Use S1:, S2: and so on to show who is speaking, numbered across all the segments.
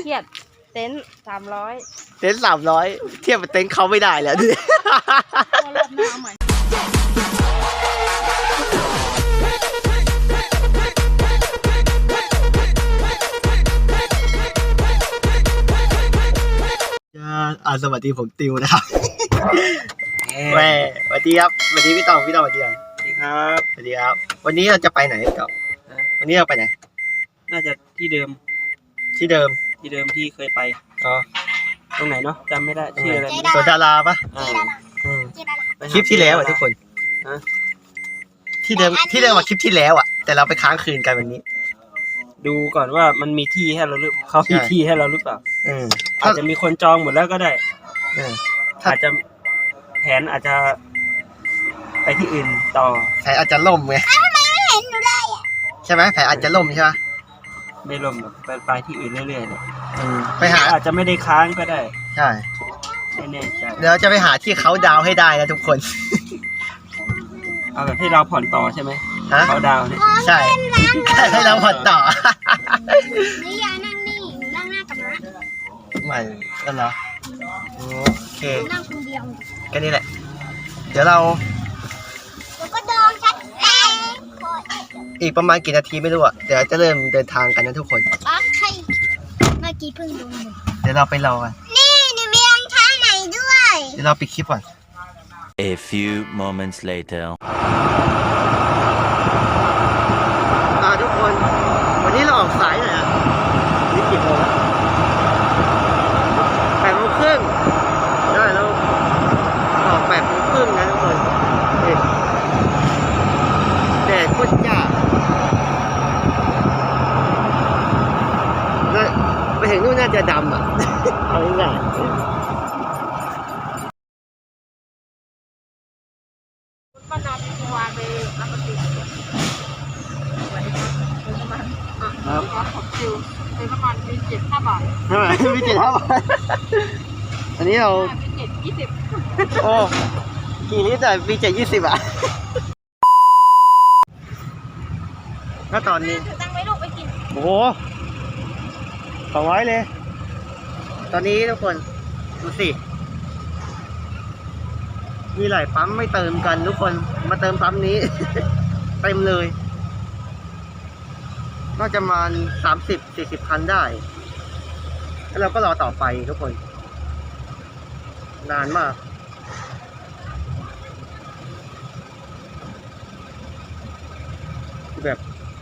S1: ทียบเต็นท์300
S2: เต็นท์300เทียบกับเต็นท์เขาไม่ได้แล้วดิ
S1: รอบหน้าใหม่
S2: สวัสดีผมติวนะครับแม่สวัสดีครับสวัสดีพี่ตองสวัสดีครับสวัสดีครับสวัสดีครับวันนี้เราจะไปไหนต่อวันนี้เราไปไหน
S3: น่าจะที่เดิม
S2: ที่
S3: เคยไป
S2: อ๋อ
S3: ตรงไหนเนาะจำไม่ได้ชื่ออะไร
S2: สวนดาราปะคลิปที่แล้วอ่ะทุกคนที่เดิมว่าคลิปที่แล้วอ่ะแต่เราไปค้างคืนกันวันนี้
S3: ดูก่อนว่ามันมีที่ให้เราหรือเขามีที่ให้เราหรือเปล่าอาจจะมีคนจองหมดแล้วก็ได้อาจจะแผนอาจจะไปที่อื่นต่อ
S2: แผนอาจจะล่มไงใช่ไหมแผนอาจจะล่มใช่ไหม
S3: ไม่ล่มหรอกไปที่อื่นเรื่อยๆเนี่ย
S2: ไปหา
S3: อาจจะไม่ได้ค้างก็ได้
S2: ใช่
S3: ไม่แน่ใจ
S2: เดี๋ยวจะไปหาที่เขาดาวให้ได้นะทุกคน
S3: เอาแบบให้เราผ่อนต่อใช่ไหมเขาดาวเนี่ย
S2: ใช่ให้เราผ่อนต่อ
S1: นี่ยานั่งนี่นั่งหน้ากับน้า
S2: ใหม่กันเหรอโอเค
S1: นั่งคนเดียว
S2: แค่นี้แหละเดี๋ยวเรา
S1: ก็ดองชัดแล้
S2: อีกประมาณกี่นาทีไม่รู้อ่ะเดี๋ยวจะเริ่มเดินทางกันนะทุกคน
S1: ใช่เมื่อกี้เพิ่งดู
S2: เดี๋ยวเราไปรอกัน
S1: นี่มีรองเท้าไหนด้วย
S2: เดี๋ยวเราปิดคลิปก่อน
S4: A few moments later
S2: ทุกคนวันนี้เราออกสายหน่อยอ่ะนี่กี่โมงแล้ว8:30ได้แล้วออก8:30นะทุกคนแดดโคตรจ้าไปถึงนู่นน่าจะดำอ่ะเอาง่าย
S1: ป้าดำวางไปรับปฏิครับขอบคิวเป็นประมาณมี7-5 บาท
S2: ใช่ไหมมี7-5 บาทอันนี้เรา
S1: มี7-20
S2: โอ้กี่ลิตรแต่มี7-20อ่ะถ้าตอนนี้
S1: ตั้งไว้ลูกไปกิน
S2: โอ้โห200เลยตอนนี้ทุกคนดูสิมีหลายปั๊มไม่เติมกันทุกคนมาเติมปั๊มนี้ เต็มเลยน่าจะมา30-40 คันได้แล้วเราก็รอต่อไปทุกคนนานมากแบบ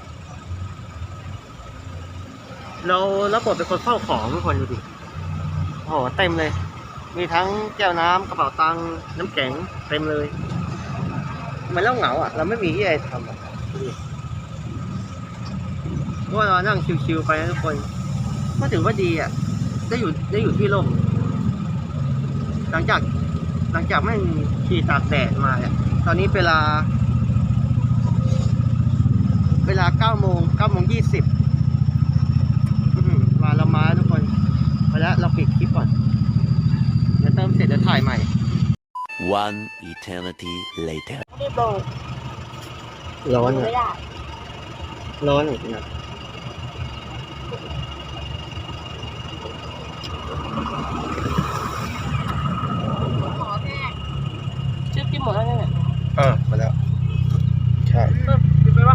S2: เรารับบทเป็นคนเฝ้าของทุกคนดูดิโอ้โหเต็มเลยมีทั้งแก้วน้ำกระเป๋าตังค์น้ำแข็งเต็มเลยมันเล่าเหงาอ่ะเราไม่มีที่อะไรทำอ่ะเพราะว่าเรานั่งชิวๆไปนะทุกคนก็ถือว่าดีอ่ะได้อยู่ที่ร่มหลังจากไม่ขี่ตากแดดมาเนี่ยตอนนี้เวลา9:20มาเรามาทุกคนไปแล้วเราปิดคลิปก่อนเดี๋ยวเติมเสร็จเดี๋ยวถ่ายใหม่
S4: One eternity later
S2: ร้อนอ่ะร้อนจริงๆ
S1: ชื่อพี่หมดแล้วเนี่ย
S2: มาแล้วใช่
S1: ปิดไปวะ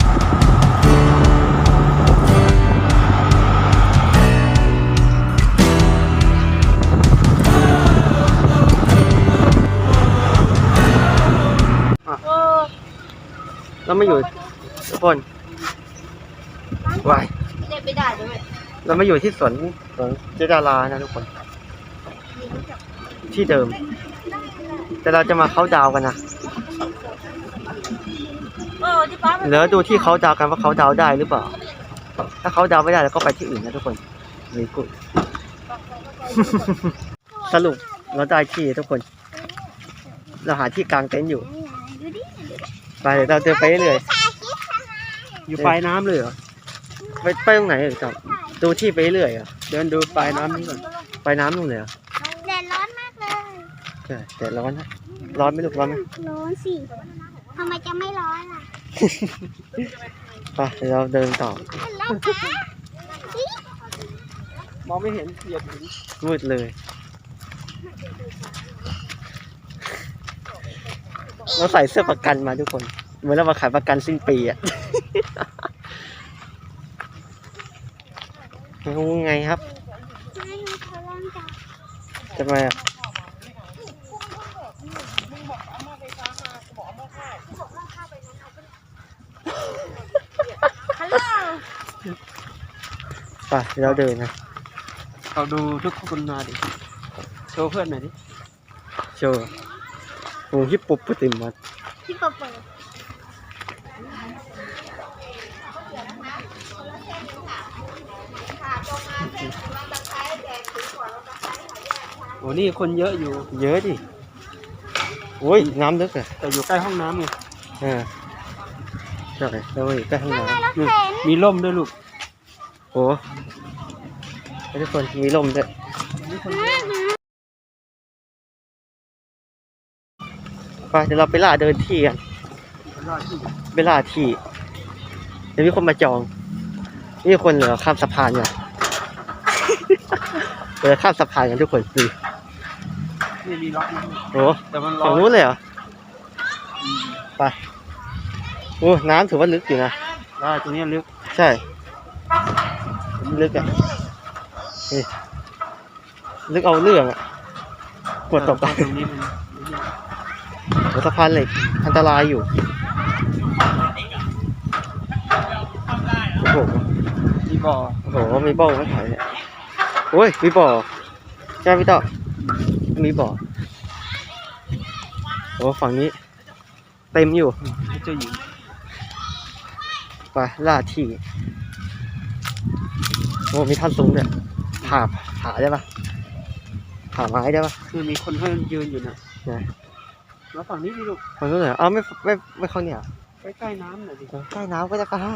S2: เราไม่อยู่ทุกคนวาย
S1: ไม่ได้ด้วย
S2: เราไม่อยู่ที่สวนเจดารานะทุกคนที่เดิมแต่เราจะมาเข้าดาวกันนะเหลือดูที่เขาดาวกันว่าเขาดาวได้หรือเปล่าถ้าเขาดาวไม่ได้เราก็ไปที่อื่นนะทุกคนนี่กูสรุปเราได้ที่ทุกคนเราหาที่กลางเต็นท์อยู่ไปเดี๋ยวเราเดินไปเรื่อย
S3: อยู่ปลายน้ำเลยเหรอ
S2: ไปตรงไหนครับดูที่ไปเรื่อยอ่ะ
S3: เดินดูปลายน้ำนี่ก่อน
S2: ปลายน้ำนู่นเลย
S1: แดดร้อนมากเลย
S2: ใช่แดดร้อนนะร้อนไหมลูกร้อนไหม
S1: ร้อนสิทำไมจะไม่ร้อนล่ะ
S2: ไปเดี๋ยวเราเดินต่อ
S3: มองไม่เห็นเหยียบหิน
S2: มืดเลย เราใส่เสื้อประกันมาทุกคน เหมือนเรามาขายประกันสิ้นปีอ่ะ งงไงครับทำไมอ่ะไปเดี๋ยวเราเดินนะ
S3: เราดูทุกคนมาดิโชว์เพื่อนหน่อยดิ
S2: โชว์โอ้ฮิปโปโปเตมัส
S1: ที่เปิด
S3: โอ้นี่คนเยอะอยู่
S2: เยอะดิโอ้ยน้ำลึกอ่ะ
S3: แต่อยู่ใกล้ห้องน้ำไง
S2: ใช่แล้วอีกใกล้ห้องน้
S3: นี่มีร่มด้วยลูก
S2: ำโอ้ให้ทุกคนมีลมด้วย
S3: นี่คนเยอะ
S2: ไปเดี๋ยวเราไปล่าเดินที่กัน
S3: คนรอดที่
S2: ไปล่าที่เดี๋ยวมีคนมาจอง นี่คนเหลือข้ามสะพานเนี่ย เหลือข้ามสะพานกันทุกคนดู
S3: นี่มีล็อกนะ
S2: โอ้
S3: แต่มันร้อ
S2: ฝั่ง
S3: น
S2: นู้นเลยเหรอ
S3: อืม
S2: ไปโอ้น้ำถือว่าลึกอยู่นะ
S3: ได้ตรงนี้ลึก
S2: ใช่ลึกอ่ะนี่ลึกเอาเรื่องอ่ะกดตกไป
S3: ตรงนี้มัน
S2: หัวสะพานเหล็กอันตรายอยู่โอ้โห
S3: มีบ่อ
S2: โอ้โหมีบ่อไม่ถ่ายเนี่ยโอ้ยมีบ่อใช่ไหมพี่ต่อมีบ่อโอ้ฝั่งนี้เต็มอยู่
S3: ให้เจ้าหญิง
S2: ไปล่าที่โอ้มีท่านสูงด้วยผาได้ปะผาไม้ได้ปะ
S3: คือมีคนเขายืนอยู่น่ะ
S2: ไหน
S3: แล้วฝั่งนี้ดิลูก
S2: ฝั่งนู้นเหรอไม่เข้าเนี่ย
S3: ใกล้ๆน้ำหน่อยดิ
S2: ใกล้น้ำก็จะกล้า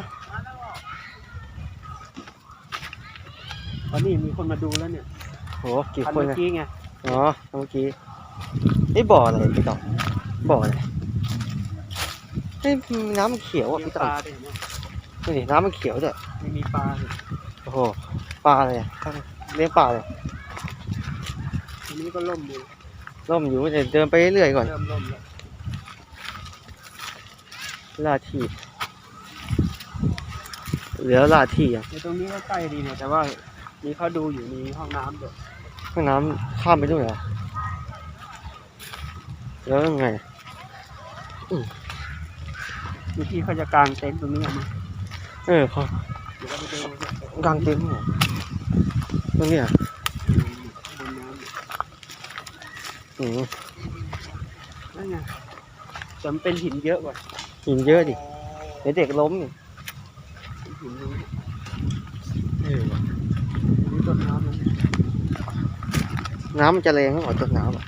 S3: ตอนนี้มีคนมาดูแล้วเนี่ย
S2: โหกี่
S3: อัน
S2: คน
S3: เมื่อ
S2: อะ
S3: กี้ไง
S2: อ๋อเมื่อกี้นี่บ่ออะไรพี่ต่อบ่ออะไรเฮ้ยน้ำมันเขียวอ่ะ
S3: เลี้ยง
S2: พี่
S3: ป
S2: ต่อ
S3: ลาด้วยเห็นไหม
S2: นี่น้ำมันเขียวด้วย
S3: ไม่มีปลาเลย
S2: โอ้โหปลาอะไรอ่ะเลี้ยงปลาเลย
S3: อันนี้ก็ล่มอยู่
S2: ร่มอยู่เดี๋ยวเดินไปเรื่อยๆก่อน
S3: เริ่มล่มแล้ว
S2: ล่าที่เหลือล่าที่อ่ะ
S3: ในตรงนี้ก็ใกล้ดีเนี่ยแต่ว่ามีเขาดูอยู่มีห้องน้ำด้วย
S2: ห้องน้ำข้ามไปด้วยเหรอแล้วยังไง
S3: มีที่เขาจะกางเต็นท์ตรงนี้เอามา
S2: เออเขา
S3: เดี๋ยวเราไปดู
S2: กางเต็นท์เหรอตรงเนี้ย
S3: บนน้
S2: อืม
S3: ำนั่นไงแต่มันเป็นหินเยอะกว่า
S2: หินเยอะดิเดี๋ยวเด็กล้มอีก
S3: หินตรงนี้
S2: เออ
S3: อันนี้ต้นน้ำนั่น
S2: น้ำมันจะแรงมากกว่าต้นน้ำอ่ะ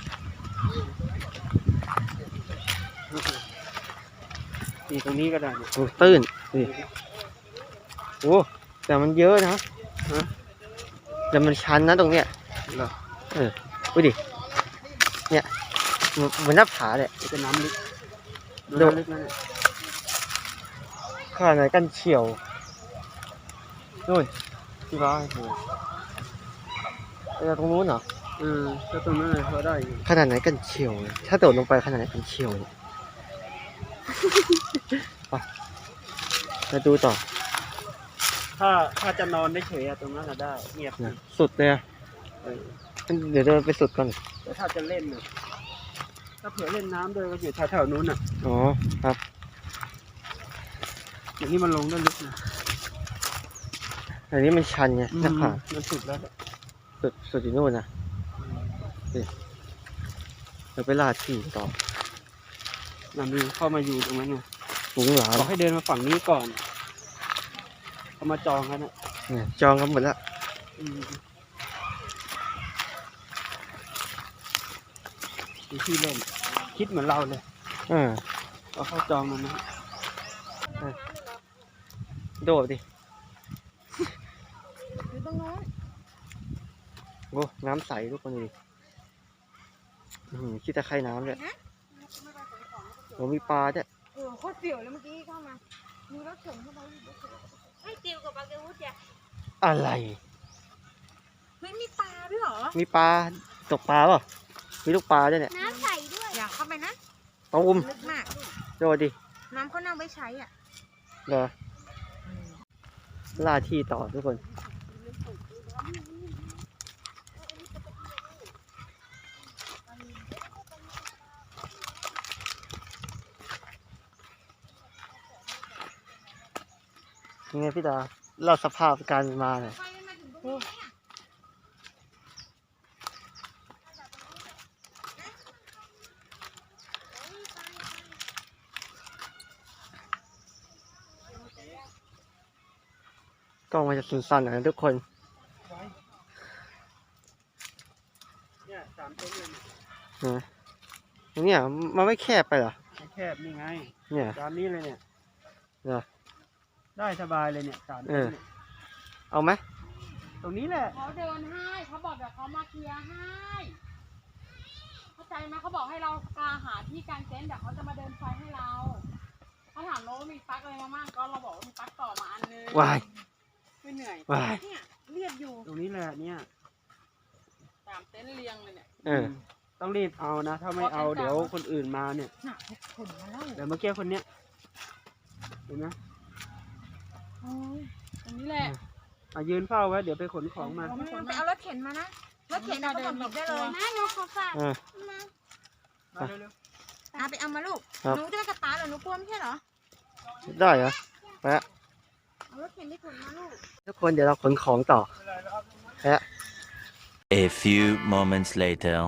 S3: นี่ตรงนี้ก็ได้เนี่ย
S2: โอ้ตื้นดิโอ้แต่มันเยอะนะ
S3: ฮะ
S2: แต่มันชันนะตรงเนี้ย
S3: เหรอ
S2: ดูดิเนี่ยเหมือนหน้าผาเลย
S3: จะเป็นน้ำลึก
S2: ดู
S3: น้ำลึกนั่นเนี่ย
S2: ขนาดไหนกันเฉียวนู่นที่บ้านโอ้ไปตรงนู้นเหรอ
S3: ถ้าตรงนั้นเลยเขาได้อยู่
S2: ขนาดไหนกันเฉียวเลยถ้าโดดลงไปขนาดไหนกันเฉียวเนี่ย ไปมาดูต่อ
S3: ถ้าจะนอนได้เฉยอะตรงนั้นอะได้เงียบ
S2: นะสุดเลยอะ
S3: เออ
S2: เดี๋ยวเดินไปสุดก่อน
S3: แต่ถ้าจะเล่นน่ะถ้าเผื่อเล่นน้ำด้วยก็อยู่แถวๆนู้นน่ะ
S2: อ๋อครับ
S3: อย่างนี้มันลงได้ลึกนะ
S2: อันนี้มันชันไงหน้าผา
S3: มันสุดแล้ว
S2: สุดอยู่นู่นนะเราไปล่าที่ต่อ
S3: นั่นมีเข้ามาอยู่ตรงนั้นไง
S2: ฝูงหลาน
S3: บอกให้เดินมาฝั่งนี้ก่อนเขามาจองกันนะ
S2: เนี่ยจองกันหมดแล้ว
S3: อืมมีที่เล่นคิดเหมือนเราเลย เราเข้าจองมันนะ
S2: โดดดิ
S1: อยู่ตรงนู้น
S2: โอ้น้ำใสทุกคนดูดิคิดตะไคร่น้ำเลยโอ้มีปลาด้วย
S1: โคตรเสียวเลยเมื่อกี้เข้ามามีรถเข็นเข้ามาให้ติวกับปาเกวุฒิอ่ะ
S2: อะไร
S1: เฮ้ยมีปลาด้วยเหรอ
S2: มีปลาตกปลาเปล่ามีลูกปลาด้วยเนี่ย
S5: น้ำใสด้วย
S1: อยากเข้าไปนะ
S2: ตูม
S1: ลึกมาก
S2: โดดดิ
S1: น้ำเขานำไว้ใช้อ่ะ
S2: เหรอล่าที่ต่อทุกคนยังไงพี่ดาเล่าสภาพการมาหน่อยกล้องมันจะสั้นๆหน่อยนะทุกคน
S3: เนี่ย3 เต็นท์เลย
S2: เนี่ยมันไม่แคบไปเหรอ
S3: ไม่แคบนี่ไง
S2: เนี่ย
S3: ตามนี้เลยเนี่ย
S2: เหรอ
S3: ได้สบายเลยเนี่ย3 เต็นท์เนี่ย
S2: เอาไหม
S3: ตรงนี้แหละ
S1: เขาเดินให้เขาบอกเดี๋ยวเขามาเคลียร์ให้เข้าใจไหมเขาบอกให้เราหาที่กางเต็นท์เดี๋ยวเขาจะมาเดินไฟให้เราเขาถามเราว่ามีปลั๊กอะไรมาบ้างก็เราบอกว่ามีปลั๊กต่อมาอันนึง
S2: วาย
S1: ไม่เหนื่อย
S2: วาย
S1: เนี่ยเรียบอยู่
S3: ตรงนี้แหละเนี่ย
S1: 3 เต็นท์เรียงเลยเนี่ย
S3: ต้องรีบเอานะ ถ้าไม่เอาเดี๋ยวคนอื่นมาเนี่ย
S1: หนักขนมาแล้ว
S3: เดี๋ยวเมื่อกี้คนเนี้ยเห็นไหม
S1: โอ้ยตรงนี้แหละ
S3: ยืนเฝ้าไว้เดี๋ยวไปขนของมา
S1: ไปเอารถเข็นมานะรถเข็นเอาไปหยิบได้เลย
S5: นะหนูขอฝาก
S2: เออ
S5: มา
S3: มาเร็ว
S1: เอาไปเอามาลูก
S2: ครับ
S1: หนูจะไปสตาร์ทเหรอหนูกลัวไม่ใช่เหรอ
S2: ได้เหรอไปละ
S1: เอารถเข็นไปขนมาลูก
S2: ทุกคนเดี๋ยวเราขนของต่อฮะ
S4: A few moments later.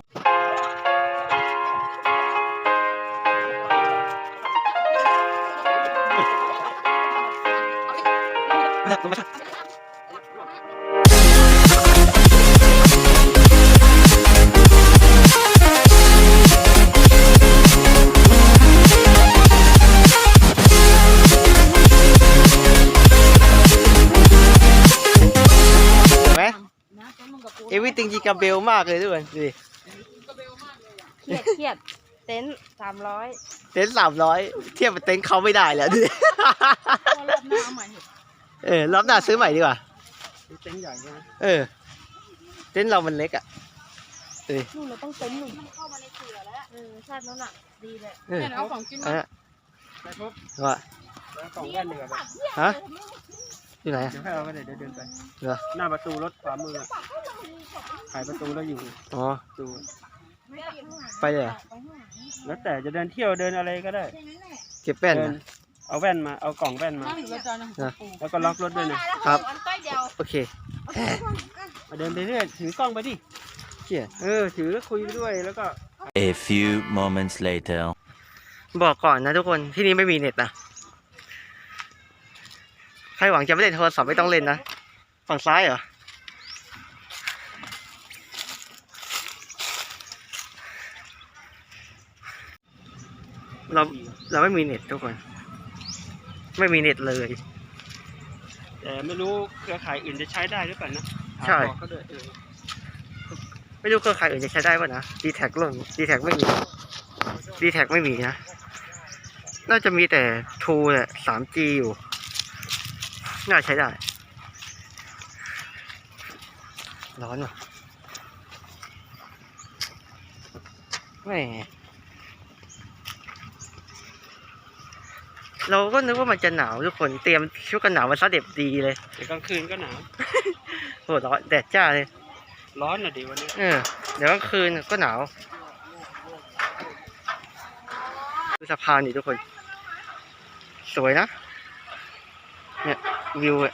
S2: เห็นไหม
S1: นะเต็นท์มึงกับกู
S2: เอวิติงจีกาเบลมากเลยทุกคนดูดิ
S1: กระเบลมากเลยอ่ะ
S5: เครียดเต็นท์300
S2: เต็นท์300เทียบกับเต็นท์เขาไม่ได้แล้วดูดิ
S1: พอรอบหน้าเอาใหม่เถอะ
S2: รอบหน้าซื้อใหม่ดีกว่า
S3: ๆนี่เต็นท์ใหญ่ใช่ไหม
S2: เต็นท์เรามันเล็กอ่ะดูดิ
S5: นู่นเราต้องเต็นท์หนึ่งเข้ามาในเสือแล้วชาตินั้นอ่ะดีเลย
S1: เนี่ยเอาของกิน
S2: อัน
S1: มา
S2: นั้น
S3: ไปปุ๊บ
S2: ว่า
S3: แล้วกล่องแว่นเหนือไป
S2: ฮะอยู่ไหน
S3: เดี๋ยวให้เอาไปเดี๋ยวเดินไป
S2: เหรอ
S3: หน้าประตูรถขวามือขายประตูแล้วอยู่
S2: อ๋อ
S3: ประตู
S2: ไปเลยเหรอ
S3: แล้วแต่จะเดินเที่ยวเดินอะไรก็ได้
S2: เก็บแป้น
S3: เดิน
S2: นะ
S3: เอาแว่นมาเอากล่องแว่นมา
S1: นั่งอยู่ประจานนะ
S3: แล้วก็ล็อกรถด้วยนะครับ
S2: โอเค
S3: มาเดินไปเรื่อยถือกล้องไปดิ
S2: เชี่ย
S3: ถือแล้วคุยไปด้วยแล้วก็
S4: A few moments later.
S2: บอกก่อนนะทุกคนที่นี่ไม่มีเน็ตนะใครหวังจะไม่เล่นโทรศัพท์ไม่ต้องเล่นนะฝั่งซ้ายเหรอเราไม่มีเน็ตทุกคน ไม่มีเน็ตเลย
S3: แต่ไม่รู้เครือข่ายอื่นจะใช้ได้หรือเปล่านะ
S2: ใช่
S3: บอกเขาด้วย
S2: ไม่รู้เครือข่ายอื่นจะใช้ได้ป่ะนะ D-Tag ล่ม D-Tag ไม่มี D-Tag ไม่มีนะ น่าจะมีแต่ True แหละ 3G อยู่ น่าใช้ได้ ร้อนว่ะแหมเราก็นึกว่ามันจะหนาวทุกคนเตรียมชุดกันหนาวมาซะเด็บดีเลย
S3: แต่กลางคืนก็หนาว
S2: โหร้อนแดดจ้าเลย
S3: ร้อนหน่อยดิวันนี้
S2: เดี๋ยวกลางคืนก็หนาวดูสะพานนี่ทุกคน สวยนะ เนี่ยวิวอะ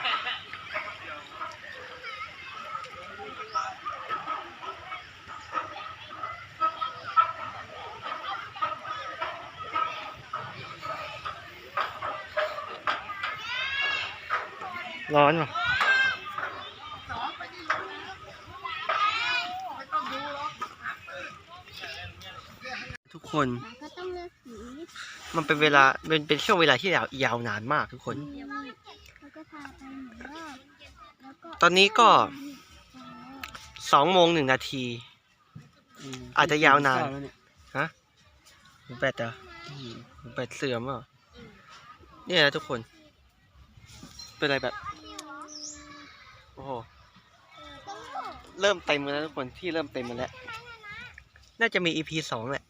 S2: ร้อนว่ะทุกคน
S5: ก็ต้องเลือกสี
S2: มันเป็นเวลาเป็นช่วงเวลาที่ยาวนานมากทุกคน
S5: แล้วก็พาไปหนึ่งรอบแล้วก็
S2: ตอนนี้ก็2:01 นาที อาจจะยาวนาน แบตอ่ะแบตเสื่อมอ่ะเนี่ยนะทุกคน เป็นอะไรแบบ โอ้โหเริ่มเต็มแล้วทุกคนที่เริ่มเต็มมาแล้วน่าจะมี EP 2แหละ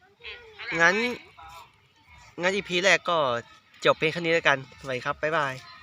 S2: งั้น EP แรกก็จบเป็นแค่นี้แล้วกันสวัสดีครับบ๊ายบาย